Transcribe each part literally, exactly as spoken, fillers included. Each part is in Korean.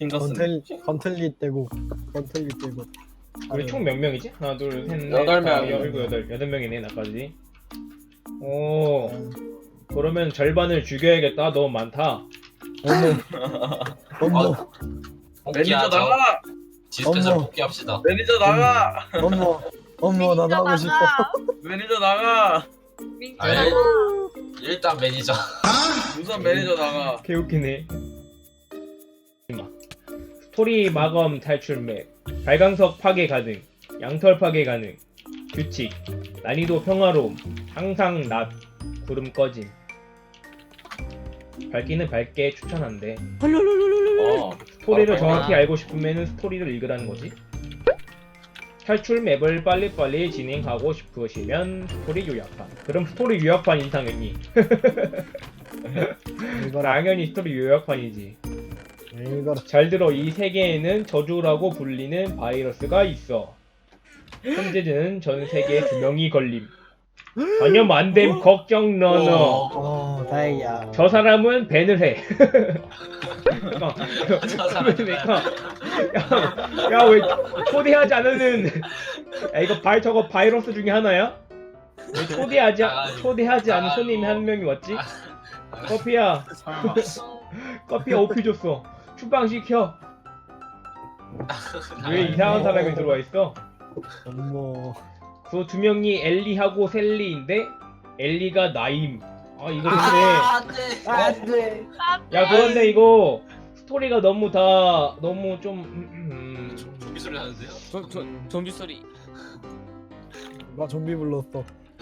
핑거슨. 건틀 건틀리 떼고 건틀리 떼고. 우리 총 몇 명이지? 하나 둘셋넷 여덟 명. 일곱 여덟 여덟 명이네 나까지. 오 그러면 절반을 죽여야겠다. 너무 많다. 어머 어머 매니저 나가. 디스펜서 어머. 복귀합시다. 매니저 나가. 어머 어머 나 나가고 싶어. 매니저 나가. 민규 아니, 나가. 일단 매니저. 우선 매니저 나가. 개웃기네. 스토리 마검 탈출 맵, 발광석 파괴 가능, 양털 파괴 가능, 규칙, 난이도 평화로움, 항상 낮, 구름 꺼짐. 밝기는 밝게 추천한대. 어. 스토리를 어, 정확히 아. 알고 싶으면 스토리를 읽으라는 거지. 탈출 맵을 빨리빨리 진행하고 싶으시면 스토리 요약판. 그럼 스토리 요약판 인상했니? 이거라 당연히 스토리 요약판이지. 이거라. 잘 들어. 이 세계에는 저주라고 불리는 바이러스가 있어. 현재는 전 세계에 두 명이 걸림. 전혀 안됨 걱정 너너. 어 다행이야. 저 사람은 밴을 해. 잠깐. 저 사람은 그러니까 야 왜 초대하지 않은 야 이거 바이 저거 바이러스 중에 하나야? 왜 초대하지 아, 초대하지 않은 아, 손님이 뭐. 한 명이 왔지? 커피야 커피야 오피 줬어. 추방 시켜. 왜 이상한 사람이 들어와 있어? 어머 그 두 명이 엘리하고 셀리인데 엘리가 나임. 아 이거 근데 아, 안돼. 안돼. 야 그런데 이거 스토리가 너무 다 너무 좀 음, 음, 좀비 소리 나는데요? 좀, 좀, 좀비 소리. 나 좀비 불렀어.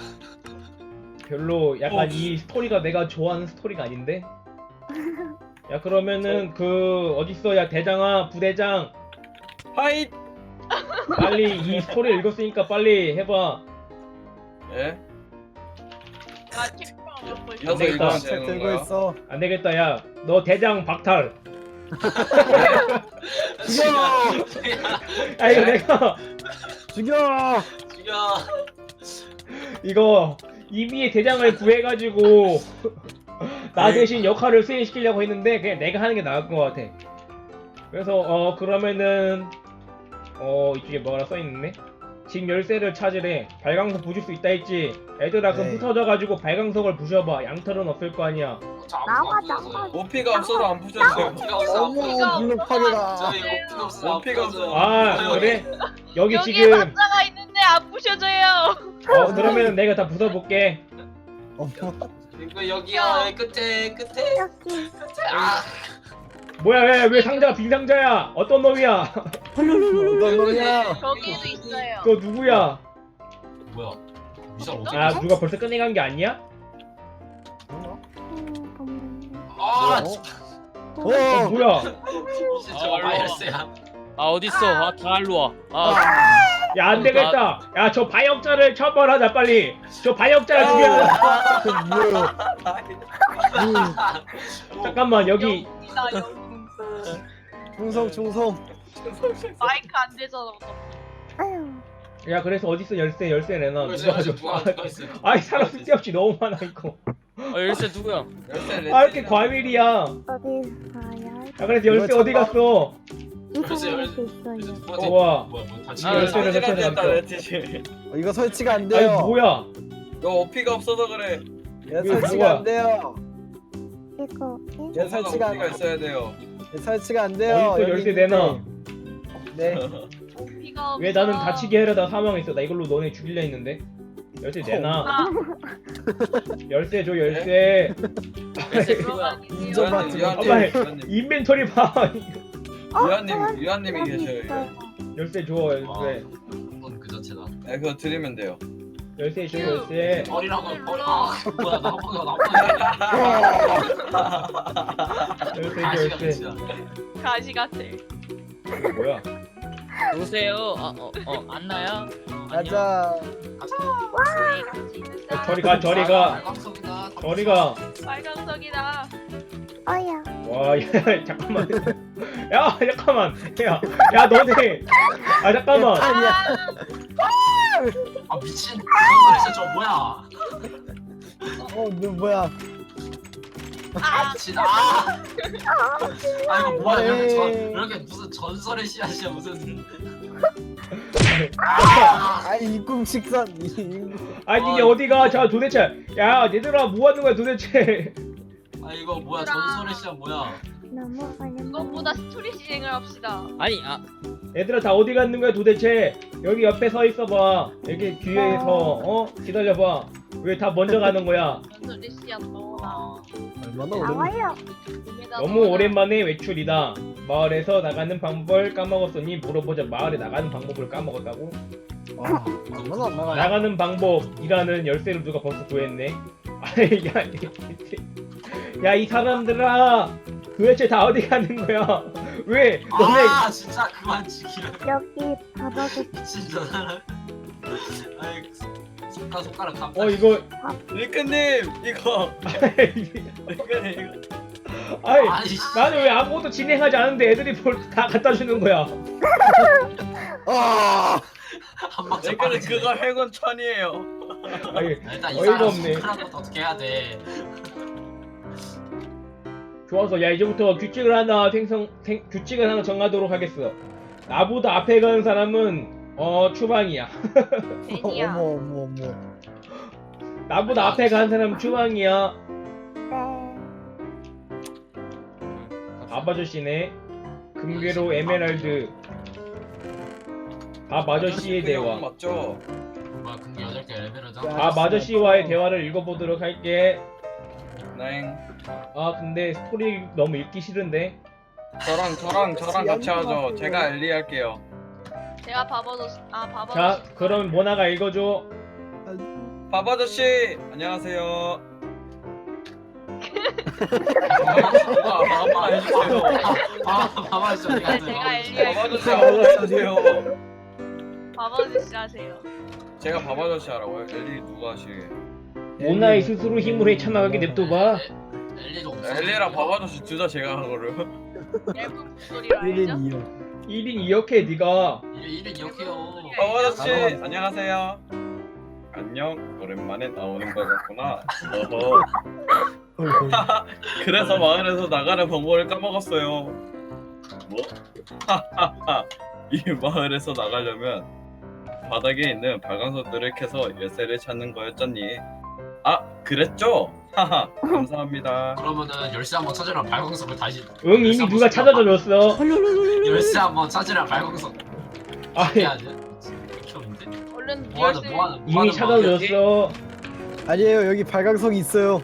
별로 약간 어. 이 스토리가 내가 좋아하는 스토리가 아닌데? 야 그러면은 그 어딨어 야 대장아 부대장 하이. 빨리 이 스토리 읽었으니까 빨리 해봐. 예? 나 책방 먹고 있어. 이어서 되겠다. 읽으면 책 되는 들고 거야? 있어. 안 되겠다 야 너 대장 박탈. 죽여 야 이거 내가 죽여. 죽여. 이거 이미의 대장을 구해가지고 나 대신 역할을 수행시키려고 했는데 그냥 내가 하는 게 나을 것 같아. 그래서 어 그러면은 어 이쪽에 뭐라 써있네? 집 열쇠를 찾으래. 발광석 부술 수 있다 했지. 애들아 그럼 네. 흩어져가지고 발광석을 부셔봐. 양털은 없을 거 아니야. 나와 나와. 오피가 없어서 안 부셔져요. 오피가 없어. 어머 이거 블록파괴다. 저희 오피가 없어. 오피가 없어. 아 그래? 여기 여기에 지금 남자가 있는데 안 부셔져요. 어 그러면은 내가 다 부숴볼게. 어머 이거 여기야. 여기 끝에 끝에. 여기 끝에. 아. 뭐야 왜, 왜 상자가 빈 상자야? 어떤 놈이야? 어떤 놈이야? 거기에도 있어요. 너 누구야? 뭐야? 미션 어떻게? 아 누가 벌써 끝내간 게 아니야? 아. 어? 어 뭐야? 미션 저거 바이러스야. 아, 어딨어? 아, 다 일로 와. 아, 야 안 되겠다. 야 저 바이ok자를 처벌하자 빨리. 저 바이ok자 죽여. 뭐야? 잠깐만 여기 영웅이다 영웅. 충성 충성. 마이크 안 되잖아. 어떡해. 아유 야 그래서 어딨어 열쇠 열쇠 내놔. 누가 누가 있어? 가져? 누가 누가 있어? 아이 사람 쓸데없이 너무 많아 이거. 아, 열쇠 누구야? 열쇠 아 이렇게 과밀이야. 야 어디 가야? 그래서 열쇠 어디 갔어? 열쇠, 이상한 열쇠. 게 있어요. 누구한테- 우와. 뭐야 뭐 다치. 아, 열쇠를 설치하지 했다 않고. 레티시. 어, 이거 설치가 안 아니 돼요. 뭐야? 너 오피가 없어서 그래. 얘 이거 설치가 뭐야? 안 돼요. 이거 얘 설치가 안 오피가 있어야 돼요. 얘 설치가 안 돼요. 어딨어 여기 열쇠 있는데. 내놔. 네. 오피가 왜 나는 다치게 하려다 사망했어? 나 이걸로 너네 죽이려 했는데. 열쇠 내놔. 아, 열쇠 줘 열쇠. 열쇠 그런 누구야? 아니에요. 인정받지 유한님, 엄마, 유한님, 인벤토리 봐. 유한님, 유한님이 계셔요. 유한. 열쇠 줘 열쇠. 한번 그 자체다. 네, 그거 드리면 돼요. 열쇠 줘 열쇠. 버리라고 버려. 아, 뭐야 나보다 나보다. 열쇠 줘 아시가 열쇠. 끝이야. 가시 같아. 이거 뭐야? 오세요. 아, 어, 어, 안나야? 어, 안녕. 가자. 우리 같이 있는다. 야, 저리 가 저리 가 발광석이다. 저리 가. 빨강석이다. 어야 와 야, 잠깐만. 야 잠깐만. 야야 너네. 아 잠깐만. 아니야. 아 미친. 전설에서 저 뭐야? 어, 너 뭐야? 아 진짜 아, 아 이거 뭐야 이렇게, 전, 에이. 이렇게 무슨 전설의 씨앗이야 무슨 아이 이꿈식선 이 아니 이게 아, 어디가? 자 도대체 야 얘들아 뭐 하는 거야 도대체? 아 이거 뭐야 전설의 씨앗 뭐야 너무 어렵네. 그것보다 스토리 진행을 합시다. 아니 아 얘들아 다 어디 갔는 거야 도대체? 여기 옆에 서 있어봐. 여기 뒤에서 어 기다려봐. 왜 다 먼저 가는 거야? 전설의 씨앗 넣어놔. 아, 얼마나 어렵네. 나와요. 몸에다 너무 넣어놔. 오랜만에 외출이다. 마을에서 나가는 방법을 까먹었으니 물어보자. 마을에 나가는 방법을 까먹었다고? 아, 얼마나 안 나가요? 나가는 방법이라는 열쇠를 누가 벌써 구했네. 아이 야 이 사람들아 도대체 다 어디 가는 거야? 왜 너네 아 진짜 그만 지키라 여기 바닥에 미친 저 사람 아이 손가락 손가락 감 어 이거 리크님 이거 리크님 이거 아이 아니 나는 왜 아무것도 진행하지 않은데 애들이 뭘 다 갖다 주는 거야? 아, 한 박자 리크님 빠르지. 그거 해군 천이에요. 아니 일단 이 어이가 사람 없네. 손가락부터 어떻게 해야 돼 좋아서 야 이제부터 규칙을 하나 생성 생, 규칙을 하나 정하도록 하겠어. 나보다 앞에 가는 사람은 어 추방이야. 애니야. 어머 어머 어머. 나보다 앞에 가는 사람은 추방이야. 네. 밥 아저씨네. 금괴로 에메랄드. 밥 아저씨의 대화. 맞죠? 뭐야 근데 여덟 개 레벨이잖아 야. 밥 아저씨와의 대화를 읽어보도록 할게. 네. 아 근데 스토리 너무 읽기 싫은데. 저랑 저랑 저랑 같이 하죠. 제가 엘리 할게요. 제가 바버도 아 바버. 자 그럼 모나가 읽어줘. 밥 아저씨 안녕하세요. 아, 아빠 해주세요. 아 봐봐 진짜 어디 네, 갔어요 제가 엘리 밥 할게요. 아저씨 아빠 해주세요. 바버지 하세요. 제가 밥 아저씨 하라고요? 엘리 누가 하시게? 모나의 스스로 힘으로 헤쳐나가게 냅둬봐. 엘리도 없어 엘리랑 밥 아저씨 둘 다 제가 하거든요. 얇은 목소리로 알죠? 일 인 이 역. 일 인 이 역해 네가. 일인 이렇게요 밥 아저씨 안녕하세요. 안녕 오랜만에 나오는 거였구나. 어허. 그래서 마을에서 나가는 방법을 까먹었어요. 뭐? 하하하. 이 마을에서 나가려면 바닥에 있는 발광석들을 캐서 열쇠를 찾는 거였잖니. 아, 그랬죠? 하하. 감사합니다. 그러면은 열쇠 한번 찾으라 발광석을 다시 응 이미 누가 찾아다 줬어. 열쇠 한번 찾으라 발광석 아니 해야지 귀여운데 얼른 뭐하는 열쇠. 뭐하는 이미 뭐하는 찾아다 마음이야? 줬어. 아니에요 여기 발광석이 있어요.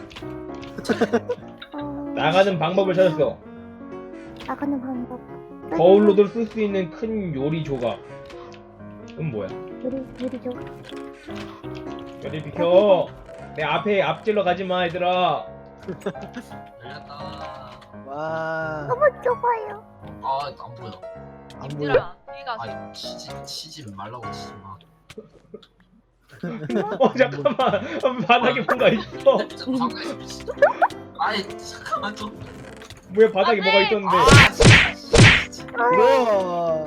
어, 나가는 방법을 찾았어. 나가는 방법. 거울로도 쓸 수 있는 큰 요리 조각. 은 뭐야? 유리 유리 줘. 요리 비켜. 내 앞에 앞질러 가지 마 얘들아. 열렸다 와. 너무 좁아요. 아안 보여 안 보여. 님들아 여기 가서. 아 치지 치지 말라고 치지 마 어 잠깐만 바닥에 뭔가 있어. 진짜 방구에서 미친 아이 잠깐만 좀 뭐야 바닥에 뭐가 있었는데. 아 진짜 우와.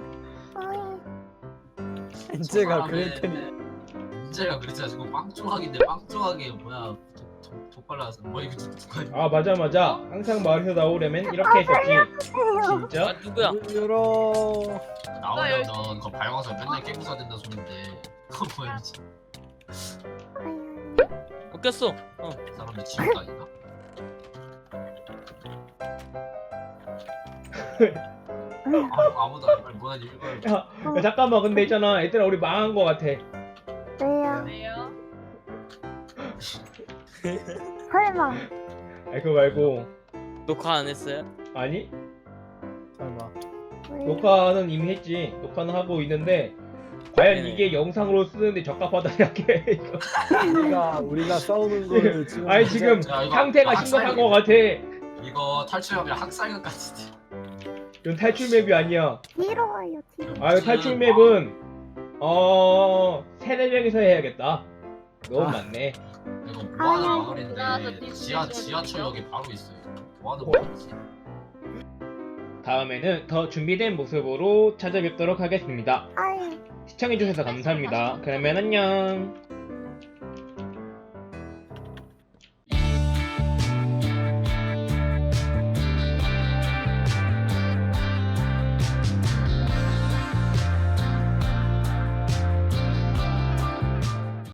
어이. 인제가 아, 그랬더니. 문제가 그랬잖아 지금 빵 조각인데 빵 조각이 뭐야 족발라서 뭐 이거 누가 아 맞아 맞아. 항상 마을에서 나오려면 이렇게 했었지. 진짜? 아 누구야? 열어. 나오면은 그 발광석 맨날 깨고 사야 된다 소린데 그거 뭐야 미친 아유. 웃겼어. 어. 사람들 지옥당인가? 아, 아무도 안 빨리 뭐나 읽어요 야, 야 잠깐만 근데 있잖아 얘들아 우리 망한 거 같아. 왜요? 왜요? 설마. 아니 그거 말고. 녹화 안 했어요? 아니 설마. 왜요? 녹화는 이미 했지. 녹화는 하고 있는데 과연 네네. 이게 영상으로 쓰는데 적합하다냐 이거. 우리가 우리가 싸우는 거를 지금. 아니 지금 야, 이거 상태가 학살- 심각한 거 같아. 이거 탈출하면 학살극 같은데 이건 탈출 맵이 아니야. 뒤로 와요 뒤로. 아 이거 탈출 맵은 어 세네 명이서 해야겠다. 너무 아. 많네. 이거 아, 뭐하는 나와서 마을인데 디스플레이 지하 좀 지하철역이 바로 있어요 뭐하는 어? 마을이지 다음에는 더 준비된 모습으로 찾아뵙도록 하겠습니다. 아유. 시청해주셔서 감사합니다. 그러면 안녕.